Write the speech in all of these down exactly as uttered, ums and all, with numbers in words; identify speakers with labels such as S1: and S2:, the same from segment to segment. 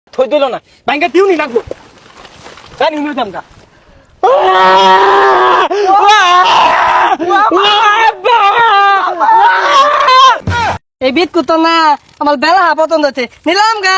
S1: থই দিল না ব্যাংকে দিও নি লাগবো জানি নিয়ে দাম গা
S2: এই বিট কুতো না আমার বেলা পতন হচ্ছে নিলাম গা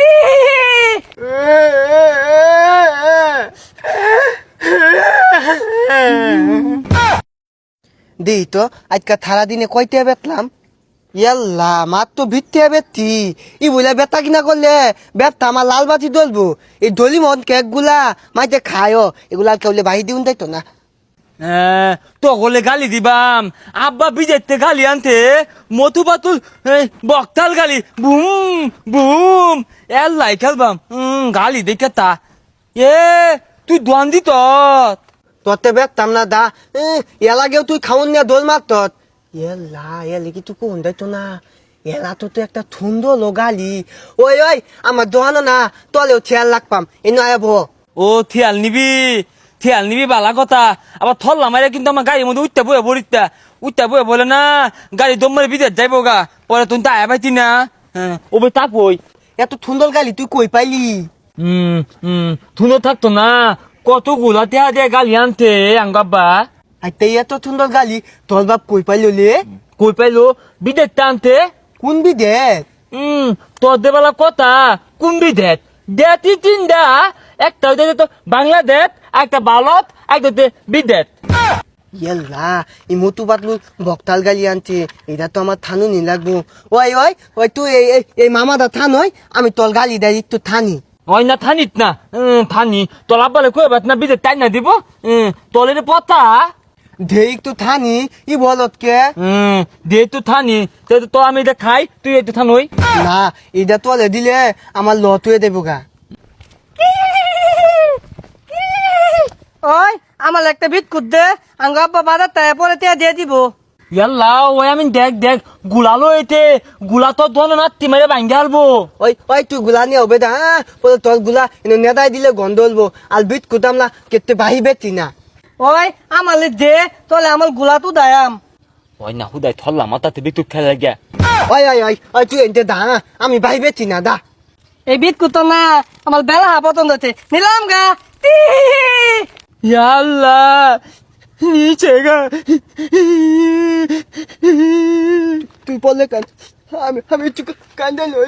S3: দি তো আজকে সারা দিনে কয়টা বেতলাম ইয়াল্লা মার তো ভিত্তি বেত্তি ই বলে বেতা কিনা করলে বেতা আমার লাল বাতি দলবো এই দলি মন কেক গুলা মাইতে খায় এগুলা কেউলে বাহি দিউন তাইতো না
S1: তো গলে গালি দিবাম আব্বা বিজেতে গালি আনতে মধু বাতুল বকতাল গালি বুম বুম এল্লাই খেলবাম গালি দেখে তা এ তুই দোয়ান দিত
S3: তোতে বেতাম না দা এলাগেও তুই খাওন নিয়ে দোল মার তত এলা এলে কি তুই কোন দাইতো না এলা তো তো একটা থুন্দ লো গালি ওই ওই আমার দোহানো না তলেও ছেয়াল লাগপাম এ নয় ভো
S1: ও থিয়াল নিবি থিয়াল নিবি বালা কথা আবার থল্লা মারে কিন্তু আমার গাড়ির মধ্যে উঠতে বয়ে বলিতা উঠতে বয়ে বলে না গাড়ি দম মারে বিদেশ যাইব গা পরে তুই তাই পাইতি না হ্যাঁ ও বে তাক বই
S3: এত থুন্দর গালি তুই কই পাইলি
S1: হুম হুম থুনো থাকতো না কতগুলা টেহা দিয়ে গালি আনতে আঙ্গাব্বা
S3: আইতে এত সুন্দর গালি তোর বাপ কই পাইলো লে
S1: কই পাইলো বিদেশ টানতে
S3: কোন বিদেশ
S1: হুম তোর দেবেলা কথা কোন বিদেশ দেতি তিনটা একটা হইতে তো বাংলাদেশ একটা ভারত একটা বিদেশ
S3: ইয়াল্লা এই মতু পাতলু বকতাল গালি আনছে এটা তো আমার থানু নি লাগবো ওই ওই ওই তুই এই এই মামাদা থান ওই আমি তোর গালি দেয় একটু থানি
S1: ওই না থানিত না থানি তোর আব্বালে কই বাত না বিদেশ টাই না দিব তোলের পতা
S3: দে একটু থানি ই বলত কে
S1: হুম দে তো থানি তো আমি এটা খাই তুই একটু থান ওই
S3: না এটা তোলে দিলে আমার লতুয়ে দেবো গা
S2: ওই আমার একটা বিট কুত দে আঙ্গ আব্বা বাজার তাই পরে তে দিয়ে দিব
S1: ইয়াল্লা ওই আমি দেখ দেখ গুলালো এতে গুলা তো দোন না তিমারে ভাঙ্গে আলবো
S3: ওই ওই তুই গুলা নিয়ে হবে দা বলে তোর গুলা এনে নেদাই দিলে গন্ধ হলবো আর বিট কুতামলা কেতে বাহিবে তিনা
S2: ওই আমার দে তোলে আমার গুলা তো দায়াম
S1: ওই না হুদাই থল্লা মাথাতে বিটুক খেলা গিয়া
S3: ওই ওই ওই ওই তুই এনতে দা আমি বাহিবে তিনা দা
S2: এই বিট কুতো না আমার বেলা পতন হচ্ছে নিলাম গা
S1: ইয়াল্লা নিচে গা
S3: তুই বললে কান আমি আমি একটু কান্দা লই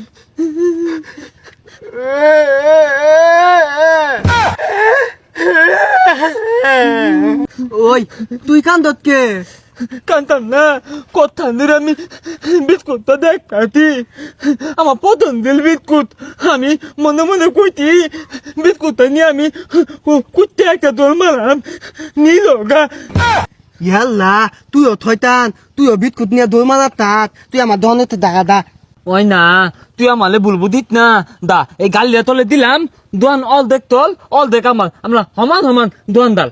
S3: ওই তুই কান্দত কে
S1: কান্তাম না কথা নিয়ে আমি বিস্কুটটা দেখাতি আমার পতন দিল বিস্কুট আমি মনে মনে কইতি বিস্কুটটা নিয়ে আমি কুত্তে একটা দোল মারাম নিল গা
S3: ইয়াল্লা তুইও থইতান তুইও বিটকুট নিয়ে দৌড় মারা তাত তুই আমার দহনে তো দাগা দা
S1: ওই না তুই আমালে বলবো দিত না দা এই গালিয়া তলে দিলাম দোয়ান অল দেখ তল অল দেখ আমার আমরা সমান সমান দোয়ান দাল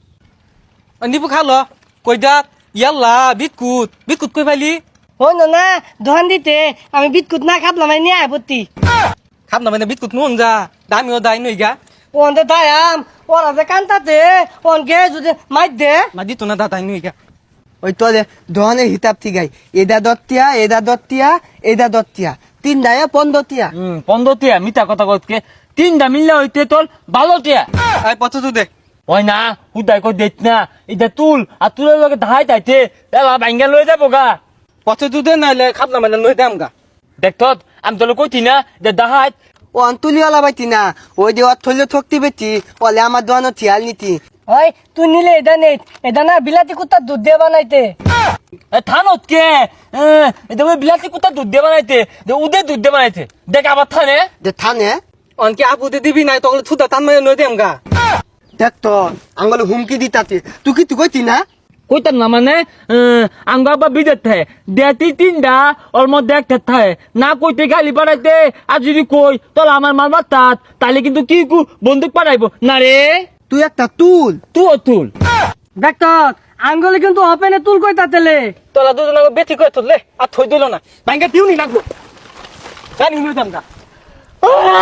S1: নিবু খালো কই দা ইয়াল্লা বিস্কুট বিস্কুট কই পাইলি
S2: হইন না দোকান দিতে আমি বিট কুত না খাবলাম নিয়ে আপত্তি
S1: খাব না মানে বিস্কুট নুন যা দামিও দাই নই গা
S2: ওনতে দায়াম ওরা যে কান্তাতে ওন গে যদি মাইর দে
S1: মা দিত না দা দাই নই গা
S3: ওই তোলে দহনের হিসাব ঠিক আই এদা দত্তিয়া এদা দত্তিয়া এদা দত্তিয়া তিন দায়া পন্দতিয়া
S1: হুম পনেরো টিয়া মিথ্যা কথা কতকে তিনটা মিললে হইতে তোর ভালো টিয়া আই পথ তো দে ওই না হুদাই কই দেখ না এটা তুল আর তুলের লগে ধাই তাইতে এলা ভাঙ্গা লয়ে যাবো গা পথ তো দে নাইলে খাবলা মানে লই দাম গা দেখ তো আমি তোলে কইতি না যে দাহাই
S3: ও আন্তুলি ওলা বাইতি না ওই যে ওর থইলে থকতি বেটি ওলে আমার দোয়ানো থিয়াল নীতি
S2: ওই তুই নিলে এটা নেই এটা না বিলাতি কুত্তার দুধ দিয়ে বানাইতে
S1: থানত কে এটা বিলাতি কুত্তা দুধ দিয়ে বানাইতে উদে দুধ দিয়ে বানাইতে দেখ আবার থানে
S3: যে থানে
S1: অনকে আপুতে দিবি নাই তখন থুদা টান মানে লই দেম গা
S3: দেখ তো আঙ্গলে হুমকি দিতাতে তুই কি তুই কইতি না
S1: কইতাম না মানে আঙ্গা বা বিদেশ থাকে দেতি তিনটা ওর মধ্যে একটা থাকে না কইতে গালি পাঠাইতে আর যদি কই তাহলে আমার মার মাতাত তাহলে কিন্তু কি কু বন্দুক পাঠাইবো না রে
S3: তুই একটা তুল
S1: তুই তুল
S2: দেখ তো আঙ্গলে কিন্তু ওপেনে তুল কই তাতেলে
S1: তোলা দুজন বেশি করে তুললে আর থই দিল না ব্যাংকে দিও নি লাগবো জানি নিয়ে দাম গা